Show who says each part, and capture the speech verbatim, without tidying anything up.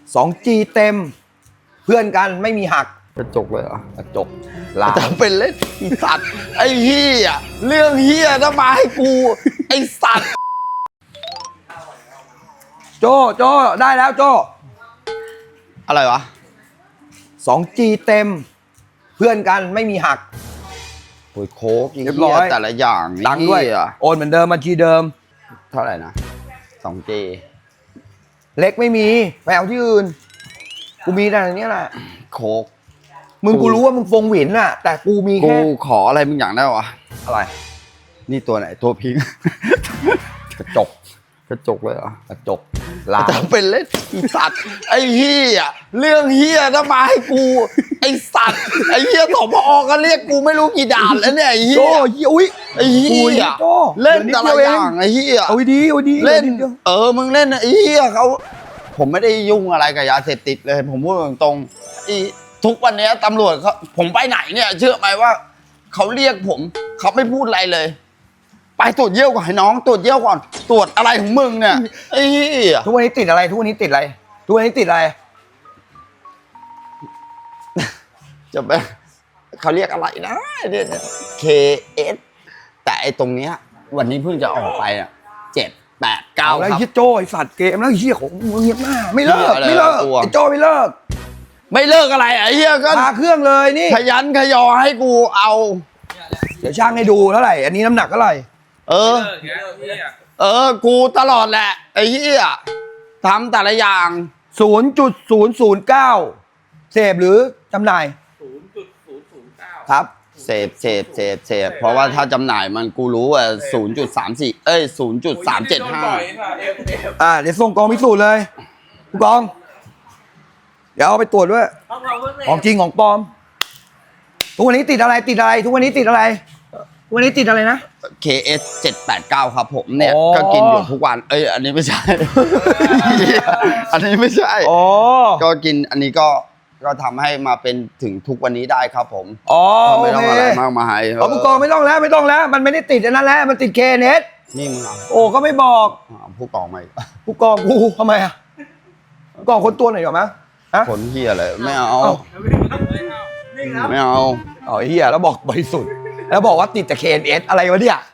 Speaker 1: สองจี เต็มเพื่อนกันไม่มีหัก
Speaker 2: กระจกเลยเหรอก
Speaker 1: ระจกลา
Speaker 2: จะเป็นเล่นไอ้สัตว์ไอ้เฮียเรื่องเฮียต้องมาให้กูไอ้สัตว์
Speaker 1: โจโจได้แล้วโจ
Speaker 2: อะไรวะ
Speaker 1: สองจี เต็มเพื่อนกันไม่มีหัก
Speaker 2: โอ้ยโค้กเรียบร้อยแต่ละอย่าง
Speaker 1: ดังด้วยโอนเหมือนเดิมบัญชีเดิม
Speaker 2: เท่าไหร่นะสองจี
Speaker 1: เล็กไม่มีไปเอาที่อื่นกูมีแต่อันนี้แหละ
Speaker 2: โค้ก
Speaker 1: มึงกูรู้ว่ามึงฟงหวินน่ะแต่กูมีแค่
Speaker 2: กูขออะไรมึงอย่างได้วะ
Speaker 1: อะไร
Speaker 2: นี่ตัวไหนตัวพิง
Speaker 1: กระจก
Speaker 2: กระจกเลยเหรอก
Speaker 1: ระจกลา
Speaker 2: จะเป็นเล่นไอ้สัตว์ไอ้เฮียเรื่องเฮียต้องมาให้กูไอ้สัตว์ไอ้เฮียสมอก็เรียกกูไม่รู้กี่ด่านแล้วเนี่ยไอ้เฮีย
Speaker 1: โอ้ยอุ้ย
Speaker 2: ไอ้เฮียเล่นแต่ละอย่างไอ้เฮีย
Speaker 1: เอาดีเอาดี
Speaker 2: เล่นเออมึงเล่นไอ้เฮียเขาผมไม่ได้ยุ่งอะไรกับยาเสพติดเลยผมพูดตรงๆทุกวันนี้ตำรวจเขาผมไปไหนเนี่ยเชื่อไหมว่าเขาเรียกผมเขาไม่พูดอะไรเลยไปตรวจเยี่ยวก่อนให้น้องตรวจเยี่ยวก่อนตรวจอะไรของมึงเนี่ยไอ้
Speaker 1: ทุกวันนี้ติดอะไรทุกวันนี้ติดอะไรทุกวันนี้ติดอะไร
Speaker 2: จะไปเขาเรียกอะไรนะเนี่ย เค เอส แต่ไอ้ตรงเนี้ยวันนี้เพิ่งจะออกไปอ่ะเจ็ดแปดเก้า
Speaker 1: แล้วไอ้โจไอ้สัตว์เกมแล้วไอ้เหี้ยของมึงเงียบหน้าไม่เลิกไม่เลิกไอ้โจไม่เลิก
Speaker 2: ไม่เลิกอะไรไอ้เหี้ยก็
Speaker 1: พาเครื่องเลยนี่
Speaker 2: ขยันขยอให้กูเอา
Speaker 1: เดี๋ยวช่างให้ดูเท่าไหร่อันนี้น้ำหนักเท่าไหร่
Speaker 2: เออเออกูตลอดแหละไอ้เหี้ยทำแต่ละอย่าง
Speaker 1: ศูนย์จุดศูนย์ศูนย์เก้า เสพหรือจำหน่าย
Speaker 3: ศูนย์จุดศูนย์ศูนย์เก้า
Speaker 1: ครับ
Speaker 2: เสพเสพเสพเสพเพราะว่าถ้าจำหน่ายมันกูรู้ว่า ศูนย์จุดสามสี่ เอ้ย ศูนย์จุดสามเจ็ดห้า
Speaker 1: อ่าเดี๋ยวส่งกองพิสูจน์เลยผู้กองเดี๋ยวเอาไปตรวจด้วยของจริงของปลอมทุกวันนี้ติดอะไรติดอะไรทุกวันนี้ติดอะไรทุกวันนี้ติดอะไรนะ
Speaker 2: เค เอส เจ็ดแปดเก้า ครับผมเนี่ยก็กินอยู่ทุกวันเอ้ยอันนี้ไม่ใช่ อันนี้ไม่ใช่ก็กินอันนี้ก็ก็ทำให้มาเป็นถึงทุกวันนี้ได้ครับผม
Speaker 1: อ๋อ
Speaker 2: ไม่ต้องอะไรมากมาย
Speaker 1: อ๋อผู้กองไม่ต้องแล้วไม่ต้องแล้วมันไม่ได้ติดอันนั้นแล้วมันติดเคเนส
Speaker 2: นี่มึงเอา
Speaker 1: โอ้ก็ไม่บอก
Speaker 2: ผู้กองไม่
Speaker 1: ผู้กองกูทำไมอ่ะผู้กองคนตัวไหนหรอมั้ย
Speaker 2: คนเฮียเลยไม่เอาไม่เอา
Speaker 1: อ๋อเฮียแล้วบอกบริสุทธิ์แล้วบอกว่าติดแต่เคเนสอะไรวะเนี่ย